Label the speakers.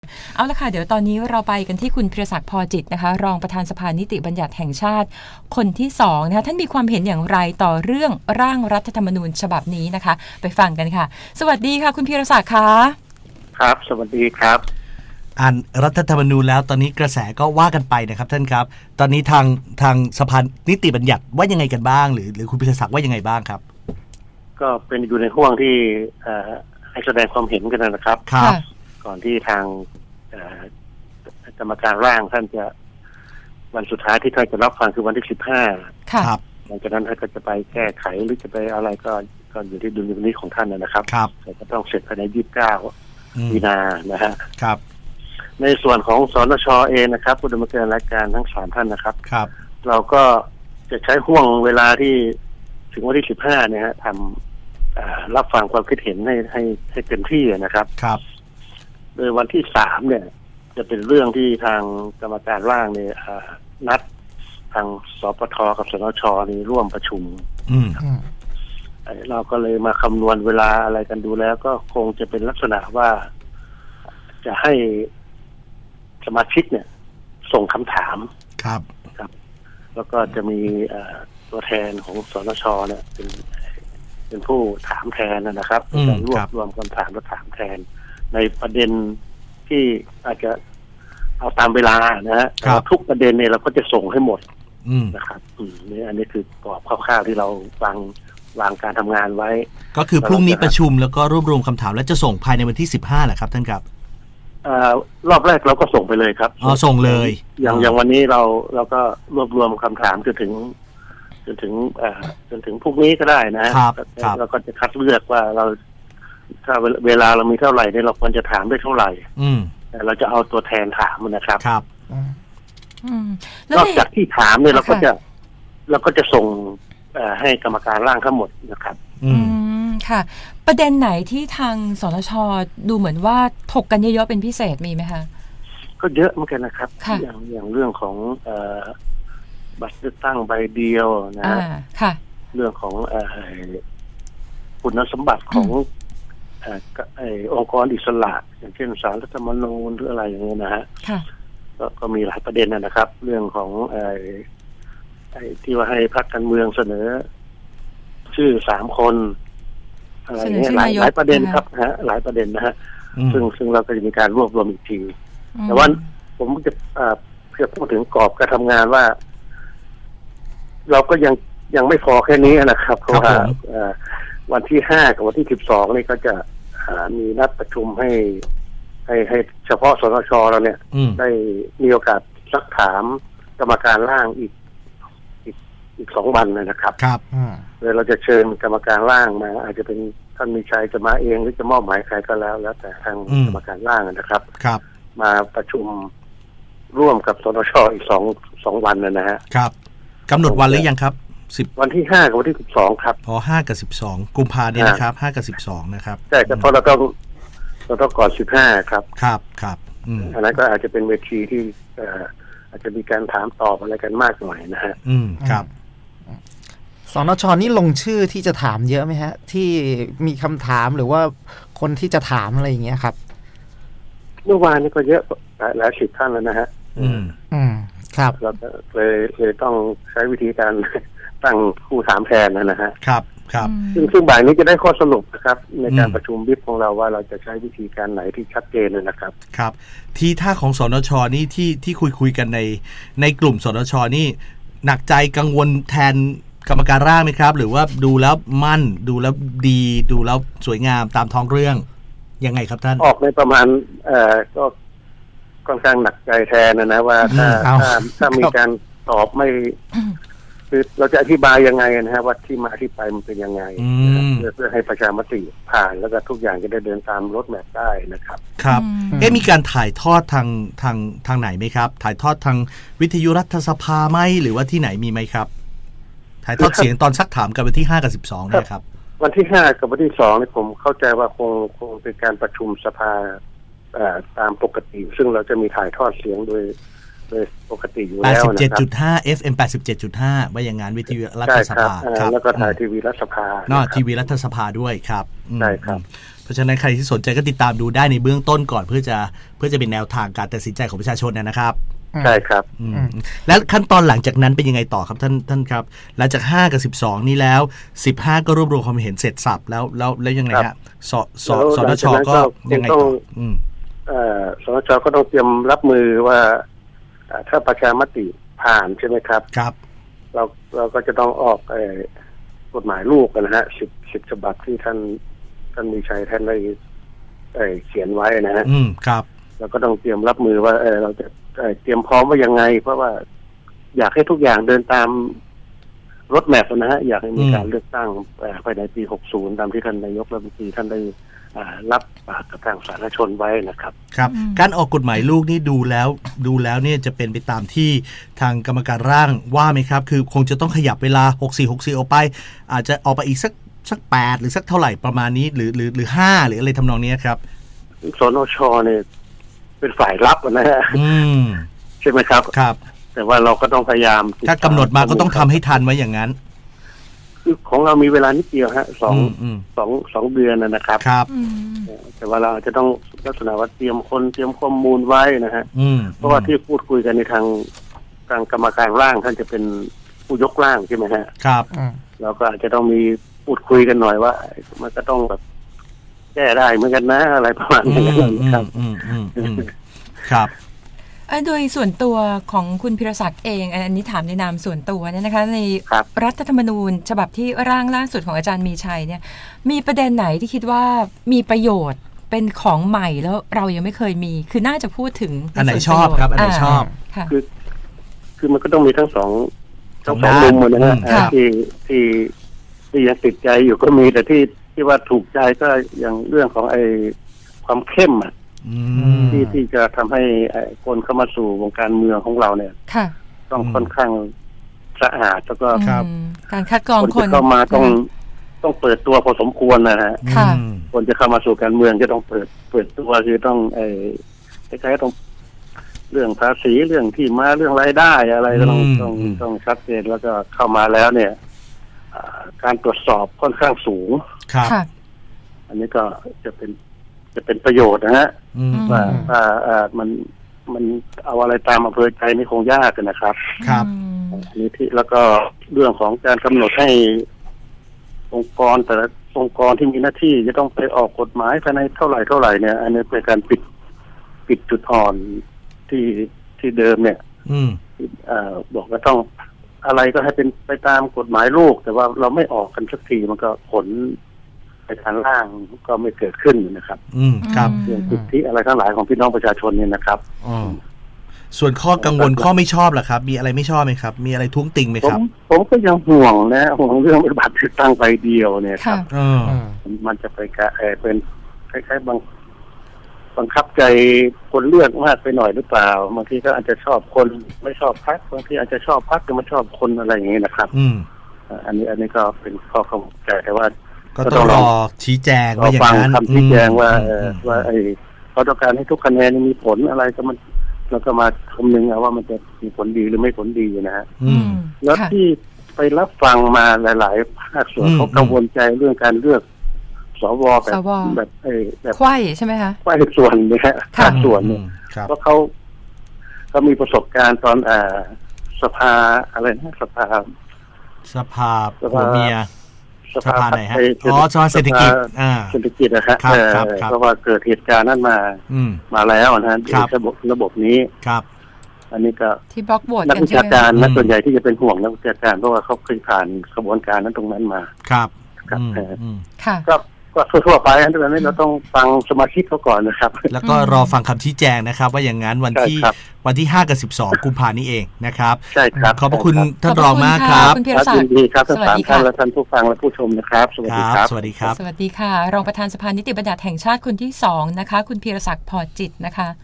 Speaker 1: เอาละค่ะเดี๋ยวตอนนี้เราไปกันที่คุณพิรศักดิ์พอจิตนะคะรองประธานสภานิติบัญญัติแห่งชาติคนที่2นะคะท่านมีความเห็นอย่างไรต่อเรื่องร่างรัฐธรรมนูญฉบับนี้นะคะไปฟังกันค่ะสวัสดีค่ะคุณพิรศักดิ์ค่ะ
Speaker 2: ครับสวัสดีครับ
Speaker 3: อ่านรัฐธรรมนูญแล้วตอนนี้กระแสก็ว่ากันไปนะครับท่านครับตอนนี้ทางสภานิติบัญญัติว่ายังไงกันบ้างหรือคุณพิรศักดิ์ว่ายังไงบ้างครับ
Speaker 2: ก็เป็นอยู่ในห่วงที่ให้แสดงความเห็นกันนะครับ
Speaker 3: ครับ
Speaker 2: ก่อนที่ทางกรรมการร่างท่านจะวันสุดท้ายที่ท่านจะรับฟังคือวันที่15
Speaker 3: ครับ
Speaker 2: หลังจากนั้นท่านก็จะไปแก้ไขหรือจะไปอะไรก็อยู่ที่ดุลยพินิจของท่านนะครับ
Speaker 3: ครับ
Speaker 2: แต่ก็ต้องเสร็จภายใน29มีนานะฮะ
Speaker 3: ครับ
Speaker 2: ในส่วนของสนช.เองนะครับผู้ดำเนินรายการทั้ง3ท่านนะครับ
Speaker 3: ครับ
Speaker 2: เราก็จะใช้ห่วงเวลาที่ถึงวันที่15เนี่ยฮะทำรับฟังความคิดเห็นให้เต็มที่นะครับ
Speaker 3: ครับ
Speaker 2: โดยวันที่3เนี่ยจะเป็นเรื่องที่ทางกรรมการร่างเนี่ยนัดทางสปท.กับสนช.นี่ร่วมประชุมเราก็เลยมาคำนวณเวลาอะไรกันดูแล้วก็คงจะเป็นลักษณะว่าจะให้สมาชิกเนี่ยส่งคำถาม
Speaker 3: ครับ
Speaker 2: แล้วก็จะมีตัวแทนของสนช.เนี่ยเป็นผู้ถามแทนนะครับรวบรวมคำถามและถามแทนในประเด็นที่อาจจะเอาตามเวลานะฮะทุกประเด็นเนี่ยเราก็จะส่งให้หมดนะครับนี่อันนี้คือกรอบคร่าวๆที่เราวางการทำงานไว้
Speaker 3: ก็คือพรุ่งนี้ประชุมแล้วก็รวบรวมคำถามและจะส่งภายในวันที่15แหละครับท่านครับ
Speaker 2: รอบแรกเราก็ส่งไปเลยครับ
Speaker 3: ส่งเลย
Speaker 2: อย่างวันนี้เราก็รวบรวมคำถามจนถึงพรุ่งนี้ก็ได้นะครับเราก็จะคัดเลือกว่าเราถ้าเวลาเรามีเท่าไหร่เนี่ยเราควรจะถามได้เท่าไหร่แต่เราจะเอาตัวแทนถามนะครับ
Speaker 3: ครับ
Speaker 2: นอกจากที่ถามเนี่ยเราก็จะส่งให้กรรมการร่างทั้งหมดนะครับ
Speaker 1: ค่ะประเด็นไหนที่ทางสนช.ดูเหมือนว่าถกกันเยอะๆเป็นพิเศษมีไหมคะ
Speaker 2: ก็เยอะเหมือนกันนะครับอย่างเรื่องของบัตรเลือกตั้งใบเดียวนะ
Speaker 1: ค่ะ
Speaker 2: เรื่องของคุณสมบัติขององค์กรอิสระอย่างเช่นศาลรัฐธรรมนูญหรืออะไรอย่างเงี้ยนะฮะก็มีหลายประเด็นนะครับเรื่องของที่ว่าให้พรรคการเมืองเสนอชื่อ3คนอะไรเงี้ยหลายประเด็นครับหลายประเด็นนะฮะซึ่งเราก็จะมีการรวบรวมอีกทีแต่ว่าผมจะพูดถึงกรอบการทำงานว่าเราก็ยังไม่พอแค่นี้นะครับเพราะว่าวันที่5กับวันที่12นี่ก็จะมีนัดประชุมให้เฉพาะสนช.เราเนี่ยได้มีโอกาสซักถามกรรมการร่างอีก2 วันนะครับเราจะเชิญกรรมการร่างมาอาจจะเป็นท่านมีชัยจะมาเองหรือจะมอบหมายใครก็แล้วแต่ทางกรรมการร่างนะครับมาประชุมร่วมกับสนช.อีก2 วันนะฮะ
Speaker 3: ครับกำหนดวันหรือยังครับ
Speaker 2: วันที่5กับวันที่12ครับ
Speaker 3: 5กับ12กุมภาพันธ์นี้นะครับ5กับ12นะครับ
Speaker 2: ใช่แต่เพราะเราต้องก่อน15ครับ
Speaker 3: ครับ
Speaker 2: อันนั้นก็อาจจะเป็นเวทีที่อาจจะมีการถามตอบอะไรกันมากหน่อยนะฮะ
Speaker 3: ครับ
Speaker 4: สนช.นี่ลงชื่อที่จะถามเยอะไหมฮะที่มีคำถามหรือว่าคนที่จะถามอะไรอย่างเงี้ยครับ
Speaker 2: เมื่อวานนี้ก็เยอะหลาย10 ท่านแล้วนะฮะ
Speaker 4: ครับ
Speaker 2: เราเลยต้องใช้วิธีการตั้งผู้ถามแทนนะฮะ
Speaker 3: ครับ
Speaker 2: ซึ่งบ่ายนี้จะได้ข้อสรุปนะครับในการประชุมบิ๊กของเราว่าเราจะใช้วิธีการไหนที่ชัดเจนนะครับ
Speaker 3: ครับทีท่าของสนช.นี่ที่คุยกันในกลุ่มสนช.นี่หนักใจกังวลแทนกรรมการร่างไหมครับหรือว่าดูแล้วมั่นดูแล้วดีดูแล้วสวยงามตามท้องเรื่องยังไงครับท่าน
Speaker 2: ออกในประมาณก็ค่อนข้างหนักใจแทนนะว่าถ้ามีการตอบไม่คือเราจะอธิบายยังไงนะฮะว่าที่มาที่ไปมันเป็นยังไงเพื่อให้ประชามติผ่านแล้วก็ทุกอย่างจะได้เดินตามรถแมพได้นะครับ
Speaker 3: ครับมีการถ่ายทอดทางไหนไหมครับถ่ายทอดทางวิทยุรัฐสภาไหมหรือว่าที่ไหนมีไหมครับถ่ายทอดเสียงตอนซักถามกันวันที่5กับ12เนี่ยครับ
Speaker 2: วันที่5กับวันที่2นี่ผมเข้าใจว่าคงเป็นการประชุมสภาตามปกติซึ่งเราจะมีถ่ายทอดเสียงโดยปกติอยู่แล้วนะครับ
Speaker 3: 87.5 FM 87.5ว่าอย่างงานวิทยุรัฐสภา
Speaker 2: ครับแล้วก็ถ่ายทีวีรัฐสภา
Speaker 3: ทีวีรัฐสภาด้วยครับ
Speaker 2: ใช่ครับ
Speaker 3: เพราะฉะนั้นใครที่สนใจก็ติดตามดูได้ในเบื้องต้นก่อนเพื่อจะเป็นแนวทางการตัดสินใจของประชาชนนะครับ
Speaker 2: ใช่ครับ
Speaker 3: แล้วขั้นตอนหลังจากนั้นเป็นยังไงต่อครับท่านครับหลังจาก5กับ12นี้แล้ว15ก็รวบรวมความเห็นเสร็จสับแล้วยังไงฮะสนชก็ยังไงต่อ
Speaker 2: สนชก็ต้องเตรียมรับมือว่าถ้าประชามติผ่านใช่ไหมครับ
Speaker 3: ครับ
Speaker 2: เราก็จะต้องออกกฎหมายลูกนะฮะ10ฉบับที่ท่านมีชัยท่านได้เขียนไว้นะฮะ
Speaker 3: ครับ
Speaker 2: เราก็ต้องเตรียมรับมือว่าเราจะเตรียมพร้อมว่ายังไงเพราะว่าอยากให้ทุกอย่างเดินตามรถแมพนะฮะอยากให้มีการเลือกตั้งภายในปี60ตามที่ท่านนายกรัฐมนตรีท่านได้รับปากกับทางสาธารณชนไว้นะครับ
Speaker 3: ครับการออกกฎหมายลูกนี่ดูแล้วเนี่ยจะเป็นไปตามที่ทางกรรมการร่างว่าไหมครับคือคงจะต้องขยับเวลา64ออกไปอาจจะออกไปอีกสัก8หรือสักเท่าไหร่ประมาณนี้หรือ5หรืออะไรทำนองนี้ครับ
Speaker 2: สนชเนี่ยเป็นฝ่ายรับนะฮะใช่ไหมครับ
Speaker 3: ครับ
Speaker 2: แต่ว่าเราก็ต้องพยายาม
Speaker 3: ถ้ากำหนดมาก็ต้องทำให้ทันไว้อย่างนั้น
Speaker 2: คือของเรามีเวลานิดเดียวฮะ2 เดือนนะครับ
Speaker 3: ครับ
Speaker 2: แต่ว่าเราจะต้องลักษณะว่าเตรียมข้อมูลไว้นะฮะเพราะว่าที่พูดคุยกันในทางกรรมการร่างท่านจะเป็นผู้ยกร่างใช่ไหมฮะ
Speaker 3: ครับ
Speaker 2: เราก็อาจจะต้องมีพูดคุยกันหน่อยว่ามันก็ต้องแบบแก้ได้เหมือนกันนะอะไรประมาณนี้ครับ
Speaker 3: ครับ
Speaker 1: โดยส่วนตัวของคุณพิรศักดิ์เองอันนี้ถามในนามส่วนตัวเนี่ยนะคะในรัฐธรรมนูญฉบับที่ร่างล่าสุดของอาจารย์มีชัยเนี่ยมีประเด็นไหนที่คิดว่ามีประโยชน์เป็นของใหม่แล้วเรายังไม่เคยมีคือน่าจะพูดถึง
Speaker 3: อันไหนชอบครับอันไหนชอบ
Speaker 2: คือมันก็ต้องมีทั้งสองมุมนะฮะที่ยังติดใจอยู่ก็มีแต่ที่ว่าถูกใจก็อย่างเรื่องของความเข้มที่จะทำให้คนเข้ามาสู่วงการเมืองของเราเนี่ยต้องค่อนข้างสะอาดแล้วก็
Speaker 1: การคัดกรองคน
Speaker 2: เข้ามาต้องเปิดตัวพอสมควรนะฮะคนจะเข้ามาสู่การเมืองจะต้องเปิดตัวคือต้องคล้ายๆต้องเรื่องภาษีเรื่องที่มาเรื่องรายได้อะไรต้องชัดเจนแล้วก็เข้ามาแล้วเนี่ยการตรวจสอบค่อนข้างสูงอันนี้ก็จะเป็นประโยชน์นะฮะว่ามันเอาอะไรตามอำเภอใจนี่คงยากนะครับ
Speaker 3: ครับ
Speaker 2: อันนี้ที่แล้วก็เรื่องของการกำหนดให้องค์กรแต่ละองค์กรที่มีหน้าที่จะต้องไปออกกฎหมายภายในเท่าไหร่เนี่ยอันนี้เป็นการปิดจุดอ่อนที่เดิมเนี่ยบอกว่าต้องอะไรก็ให้เป็นไปตามกฎหมายลูกแต่ว่าเราไม่ออกกันสักทีมันก็ผลไปทางล่างก็ไม่เกิดขึ้นนะครับ
Speaker 3: ครับ
Speaker 2: เรื่องสิทธิอะไรทั้งหลายของพี่น้องประชาชนเนี่ยนะครับ
Speaker 3: ส่วนข้อกังวลข้อไม่ชอบล่ะครับมีอะไรไม่ชอบไหมครับมีอะไรท้วงติงไหมครับ
Speaker 2: ผมก็ยังห่วงเรื่องบัตรเลือกตั้งใบเดียวเนี่ยครับมันจะไปเป็นคล้ายๆบังคับใจคนเลือกมากไปหน่อยหรือเปล่าบางทีก็อาจจะชอบคนไม่ชอบพรรคบางทีอาจจะชอบพรรคแต่ไม่ชอบคนอะไรอย่างนี้นะครับอันนี้ก็เป็นข้อกังวลใจแต่ว่า
Speaker 3: ก็ต้องรอชี้แจงว่าอย่างนั้น
Speaker 2: คำชี้แจงว่าเขาต้องการให้ทุกคะแนนมีผลอะไรก็มันแล้วก็มาคำนึงว่ามันจะมีผลดีหรือไม่ผลดีนะฮะแล้วที่ไปรับฟังมาหลายๆภาคส่วนเขากังวลใจเรื่องการเลือกสวแบบ
Speaker 1: ไขว้ใช่ไหมคะ
Speaker 2: ไขว้ส่วนเนี่ยภาคส่วนเนี่ยเพราะเขามีประสบการณ์ตอนสภาอะไรนะสภา
Speaker 3: ผัวเมียสภาไหนฮะสภาเศรษฐกิจ
Speaker 2: นะฮะเพราะว่าเกิดเหตุการณ์นั้นมาแล้วนะฮะระบบนี้
Speaker 3: ครับ
Speaker 2: อันนี้ก็
Speaker 1: ที่บล็อกโหวต
Speaker 2: นักวิชาการนักส่วนใหญ่ที่จะเป็นห่วงนักวิชาการเพราะว่าเขาเคยผ่านกระบวนการนั้นตรงนั้นมา
Speaker 3: ครับ
Speaker 2: ก็ทั่วไปอันนี้เราต้องฟังสมาชิกเขาก่อนนะครับ
Speaker 3: แล้วก็รอฟังคำชี้แจงนะครับว่าอย่างนั้นวันที่5กับ12กุมภาพันธ์นี้เองนะครับ
Speaker 2: ใช่ครับ
Speaker 3: ขอบพระคุณท่านรองมากครับ
Speaker 2: ยินดีครับทั้ง3ท่านและท่านผู้ฟังและผู้ชมนะครับสวัสดีครับ
Speaker 3: สวัสดีครับ
Speaker 1: สวัสดีค่ะรองประธานสภานิติบัญญัติแห่งชาติคนที่2นะคะคุณพีรศักดิ์พอจิตนะคะ